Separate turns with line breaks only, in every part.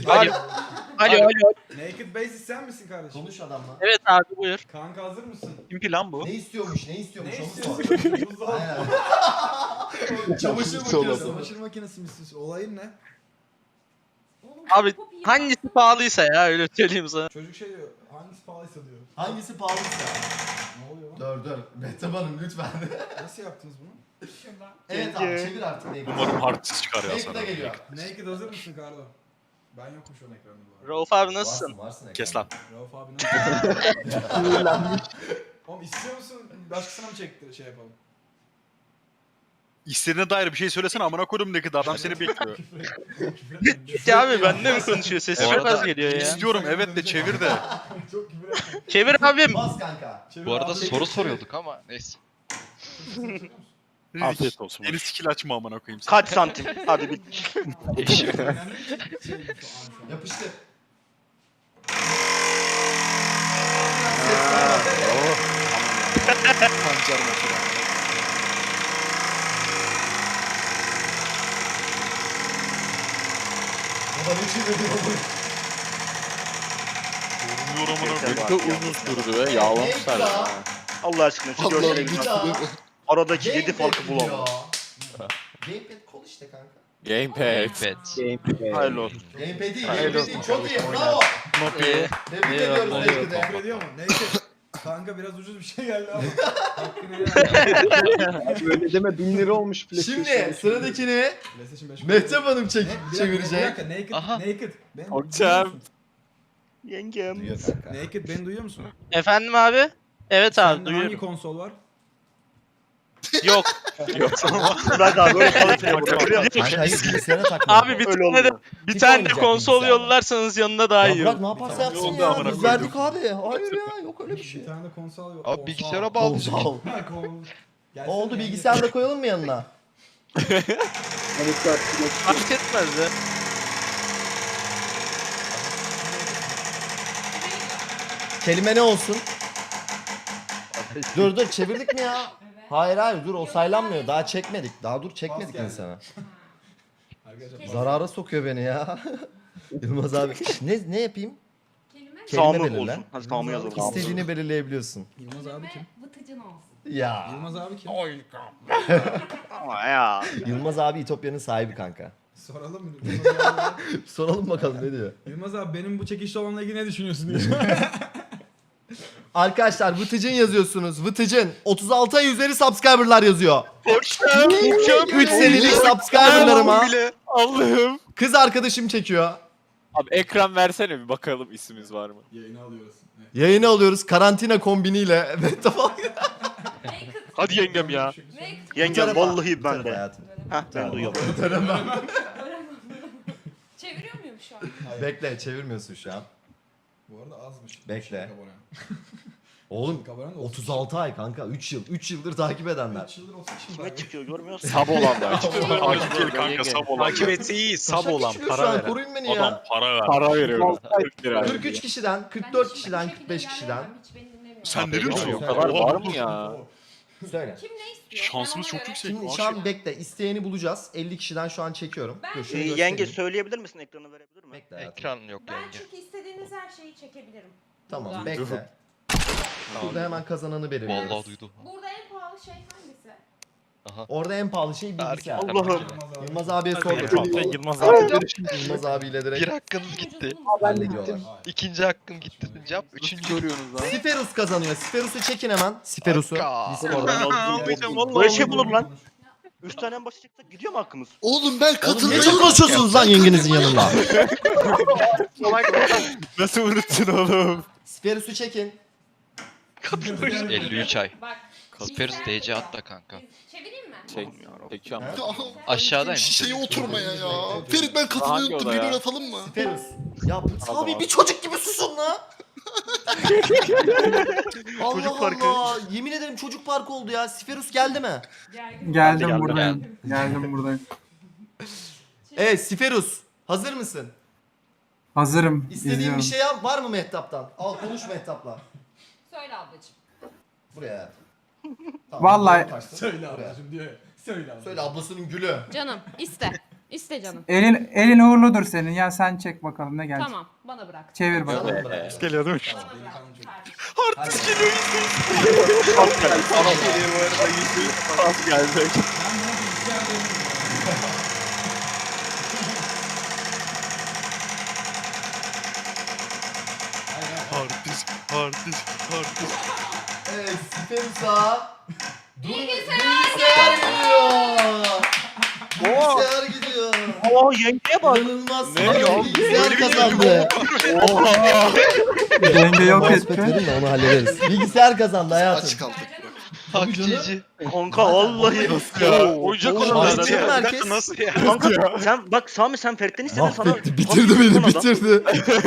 Alo. Alo.
Naked Basis sen misin kardeşim?
Konuş adamla.
Evet abi buyur.
Kanka hazır mısın?
Kim plan bu?
Ne istiyormuş
Ne
onu sor.
istiyorsun? Buzdolabı.
Aynen. Çamaşır makinesi.
Çamaşır makinesi misin? Olayın ne?
Abi hangisi pahalıysa ya öyle söyleyeyim sana.
Çocuk şey diyor. Hangisi pahalıysa diyor.
Hangisi pahalıysa.
Ne oluyor lan?
Dur. Mehtap Hanım lütfen.
Nasıl yaptınız bunu?
Evet abi çevir artık Naked'ı.
Umarım harddisk çıkar ya
Naked'a
sana.
geliyor.
Naked hazır mısın Kardo? Ben yokum şu an ekranda bu arada.
Rauf abi nasılsın?
Varsın
Kes lan.
Rauf abi nasıl? Oğlum istiyor musun? Başkasına mı çekti şey yapalım?
İstediğine dair bir şey söylesene amına koydum ne kadar adam seni bekliyor.
Ya abi bende mi konuşuyor? Sesi
Bu
çok
arada
az geliyor ya.
İstiyorum evet de çevir de.
Çok küfür etme.
Çevir abim.
Bas kanka.
Çevir
Bu arada
abi.
soru soruyorduk ama neyse.
Afiyet olsun. Yeni skill açma amına koyayım sen.
Kaç santim? Hadi bir.
Önemli bir şey bu şu an.
Yapıştır.
Pancar makine.
Baba ne çeviriyor bu?
Vurmuyor amına koyayım.
Yeter bak ya.
Uzun sürdü ve yağlamışlar ya.
Allah aşkına şu
Allah'ım
görsele
Bir
bir
daha.
bak. Aradaki 7
Gamepad
farkı
diyor.
bulamam.
Gamepad kol işte kanka.
Gamepad.
Hayırlı olsun.
Gamepad değil,
Hayırlı
gamepad değil. Çok iyi, bravo.
Not iyi.
Tebrik ediyoruz Naked'e.
Küfür ediyor mu? Neyse. Kanka biraz ucuz bir şey geldi ama. Hakkını helal.
Böyle deme 1000 lira olmuş PlayStation.
Şimdi sıradakini
PlayStation 5.
Mehtap Hanım
Bir dakika,
çevirecek.
Naked.
Aha.
Naked. Beni
Hocam.
duyuyor musun?
Yengem.
Duyuyor kanka.
Naked beni duyuyor musun?
Efendim abi? Evet abi
Sende hangi
duyuyorum.
konsol var?
Yok. Bırak abi öyle kaliteli vurma.
Kanka hayır bilgisayara takma.
Abi bir
Öyle
tane de
olmuyor.
bir
Hiç
tane de
oynayacak
konsol
bilgisayarla.
yollarsanız yanında daha iyi
Ya bırak
olur.
ne yaparsa yapsın
Yolda
ya.
amına
Biz
koydum.
verdik abi. Hayır ya yok öyle bir şey.
Bir tane de konsol yok.
Abi bilgisayara bağlayacak.
Konsol.
Ha, Gelsene
Oldu
yani.
bilgisayarı da koyalım mı yanına?
Fark etmez de.
Kelime ne olsun? Dur çevirdik mi ya? Hayır dur o saylanmıyor. Daha çekmedik. Daha dur çekmedik
geldi.
insana.
Arkadaşlar
Zarara sokuyor beni ya. Yılmaz abi. Ne yapayım? Kelime
Sağımı
belirle.
olsun. Hadi sağımı yazalım.
İstediğini belirleyebiliyorsun.
Yılmaz abi kim?
Vıtıcın olsun.
Ya.
Yılmaz abi kim?
Ama ya.
Yılmaz abi İtopya'nın sahibi kanka.
Soralım mı? Yılmaz abi,
Soralım bakalım ne diyor.
Yılmaz abi benim bu çekişli olanla ilgili ne düşünüyorsun diye.
Arkadaşlar Vıtıcın yazıyorsunuz. Vıtıcın 36 ay üzeri subscriber'lar yazıyor. 3 senelik subscriber'larıma
Allah'ım.
kız arkadaşım çekiyor.
Abi ekran versene bir bakalım ismimiz var mı?
Yayını alıyoruz. Evet.
Yayını alıyoruz karantina kombiniyle. Ve tamam.
Hadi yengem ya.
Bu
Yengem
tarafa-
vallahi
bu
ben
tarafa
de.
hayatım.
Heh ben duyuyorum.
Çeviriyor muyum şu an?
Bekle çevirmiyorsun şu an.
Bu arada azmış.
Bekle.
Çocuk abone.
Oğlum
Çocuk abone de
36 ay kanka 3 yıl. 3 yıldır takip edenler.
3 yıldır 30 kişi
Kime çıkıyor görmüyor musun?
Sab olanlar.
Takip değil kanka sab olan.
Takip etse iyi sab
Şaka
olan
çıkıyor şu
para
an,
veren.
koruyun beni
Adam
ya.
para ver.
Para veriyor. 40 lira.
43 kişiden, 44 kişiden, 45 kişiden.
Hiç beni dinlemiyor.
Sen ne diyorsun?
O kadar var mı ya?
Söyle.
Kim ne istiyor?
Şansımız
Ben
çok
ona
yüksek.
Şimdi
Aşık.
şu an bekle isteyeni bulacağız. 50 kişiden şu an çekiyorum.
Ben-
Dur, şunu
Yenge
göstereyim.
söyleyebilir misin ekranı verebilir mi?
Bekle hayatım.
Ekran yok
Ben
yenge.
çünkü istediğiniz her şeyi çekebilirim.
Tamam
Burada.
bekle. Burada hemen kazananı belirliyoruz.
Vallahi duydu.
Burada en pahalı şey hangisi?
Orada en pahalı şey bilgisayar.
Erken.
Allah'ım.
Yılmaz abiye sordum.
Yılmaz abi.
Yılmaz abiyle
Bir
direkt
hakkınız gitti.
hallediyorlar.
İkinci hakkım gitti. Cevap üçüncü.
Görüyorsunuz lan.
Siferus kazanıyor. Siferus'u çekin hemen. Siferus'u.
Hakka.
Discord'dan.
Böyle şey bulur lan. 3 tane en başa çıktık gidiyor mu hakkımız?
Oğlum ben
Oğlum
katılmayı
ne konuşuyorsunuz lan yengenizin yanında?
Nasıl unuttun oğlum?
Siferus'u çekin.
53 ay.
Bak.
Kasperus
bilgisayar
DC
burada.
at da kanka.
Çevireyim mi?
Çekiyorum.
Aşağıdaymış.
şişeye oturmaya ya. Ferit ben katılmayı
Hangi
unuttum.
oda ya?
Video atalım mı?
Siferus. Ya
Tamam.
abi bir çocuk gibi susun la. Allah
Çocuk parkı.
Allah. Yemin ederim çocuk parkı oldu ya. Siferus geldi mi?
Gergin.
Geldim
buradayım.
Geldim buradayım.
Evet Siferus. Hazır mısın?
Hazırım.
İstediğin bir şey yap. Var mı Mehtap'tan? Al konuş Mehtap'la.
Söyle ablacığım.
Buraya. Tamam,
Vallahi-
kaçtın.
Söyle
Buraya.
ablacım diyor. Söyle ablacım.
Söyle ablasının gülü.
Canım iste. İste canım.
Elin uğurludur senin. Ya sen çek bakalım ne gelecek.
Tamam bana bırak.
Çevir bakalım.
Bana bırak.
Geliyor değil mi?
Bana bırak. Kardeşim.
Artist
geliyor bu arada
Az gelecek.
Artist.
Evet Spensa.
Bilgisayar.
gidiyor. Bilgisayar gidiyor.
Oo yengeye bak.
İnanılmaz.
Ne ya?
Bilgisayar kazandı.
Denge yok
Mousepad
etti.
verin de onu hallederiz. Bilgisayar kazandı hayatım.
Aç kaldık.
Hakçici.
Kanka vallahi.
Oyuncak
Oğlum,
olan
Artist
adam.
merkez.
Nasıl ya?
Kanka sen bak Sami sen Ferit'ten istedin sana.
Mahvetti. Bitirdi beni bitirdi.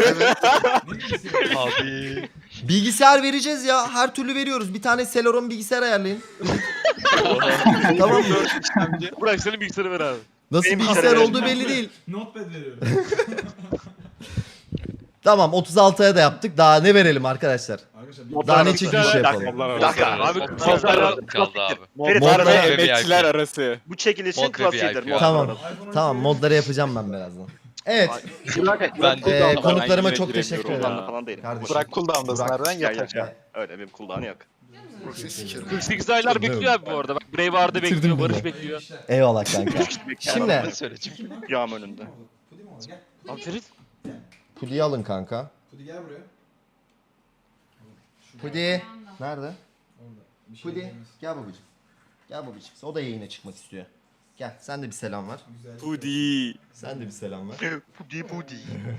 Abi.
Bilgisayar vereceğiz ya. Her türlü veriyoruz. Bir tane Celeron bilgisayar ayarlayın. Tamam mı?
Bırak senin bilgisayarı ver abi.
Nasıl
Benim
bilgisayar
bilgisayarı
olduğu belli değil.
Notepad veriyorum.
Tamam 36'ya da yaptık. Daha ne verelim arkadaşlar?
Arkadaşlar
Daha ne çekiliş yapalım?
Bir dakika abi.
Modlar kaldı abi.
Ferit
Modlar
var ve
ve
emekçiler arası.
Bu çekilişin
Mod ve
klasiğidir.
VIP.
mod.
Tamam. Tamam modları yapacağım ben birazdan. Evet.
Ben de
Konuklarıma
yine
çok
giremiyorum
teşekkür
ya.
ederim.
Cooldown'da falan değilim.
Kardeşim.
Bırak cooldown'dasın
Burak.
nereden yatacak?
Öyle bir cooldown'u yok.
Proxy sikerim.
48 aylar bekliyor abi bu arada. Bak Braveheart'ı
Bitirdim
bekliyor,
beni.
Barış bekliyor.
Eyvallah kanka. Şimdi
söyle çünkü.
Yağım önünde.
Pudi mi o? Gel.
Abi Ferit.
Pudi'yi alın kanka.
Pudi gel buraya.
Pudi. Nerede?
Orada. Bir şey
Pudi.
diyemez.
Gel babacığım. Gel babacığım. O da yayına çıkmak istiyor. Gel sen de bir selam ver.
Güzel.
Pudi.
Sen de bir selam ver.
Pudi pudi.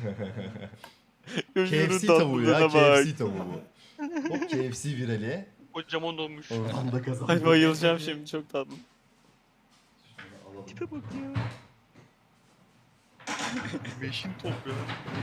KFC tavuğu ya. KFC tavuğu bu. Hop KFC virali.
Kocaman olmuş.
Oradan da kazandı.
Ay bayılacağım şimdi çok tatlı.
Tipe bak ya.
Beşin top ya.